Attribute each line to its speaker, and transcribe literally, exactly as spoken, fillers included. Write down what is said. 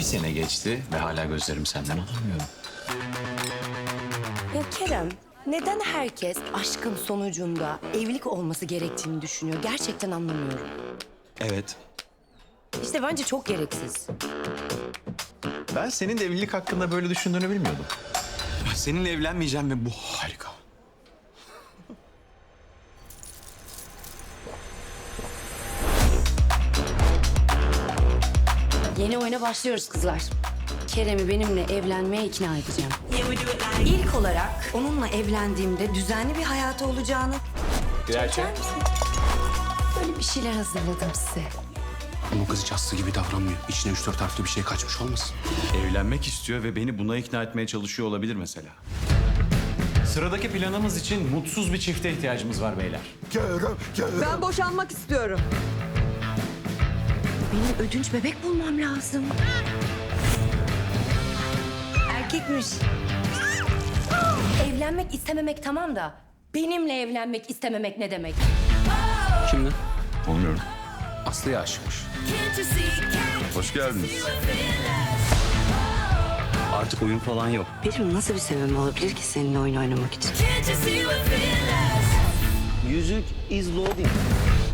Speaker 1: Bir sene geçti ve hala gözlerim senden alamıyor.
Speaker 2: Ya Kerem, neden herkes aşkın sonucunda evlilik olması gerektiğini düşünüyor? Gerçekten anlamıyorum.
Speaker 1: Evet.
Speaker 2: İşte bence çok gereksiz.
Speaker 1: Ben senin de evlilik hakkında böyle düşündüğünü bilmiyordum. Seninle evlenmeyeceğim ve bu harika.
Speaker 2: Yeni oyuna başlıyoruz kızlar. Kerem'i benimle evlenmeye ikna edeceğim. İlk olarak onunla evlendiğimde düzenli bir hayatı olacağını...
Speaker 1: Gerçek.
Speaker 2: Çeker misin? Böyle bir şeyler hazırladım size.
Speaker 3: Ama kız hiç aslı gibi davranmıyor. İçine üç dört harfli bir şey kaçmış olmasın?
Speaker 1: Evlenmek istiyor ve beni buna ikna etmeye çalışıyor olabilir mesela. Sıradaki planımız için mutsuz bir çifte ihtiyacımız var beyler.
Speaker 4: Ben boşanmak istiyorum.
Speaker 2: Benim ödünç bebek bulmam lazım. Erkekmiş. Evlenmek istememek tamam da... benimle evlenmek istememek ne demek?
Speaker 3: Kimden?
Speaker 1: Olmuyorum.
Speaker 3: Aslı'ya aşıkmış.
Speaker 1: Hoş geldiniz.
Speaker 3: Artık oyun falan yok.
Speaker 2: Benim nasıl bir sebebim olabilir ki seninle oyun oynamak için?
Speaker 5: Yüzük is loading.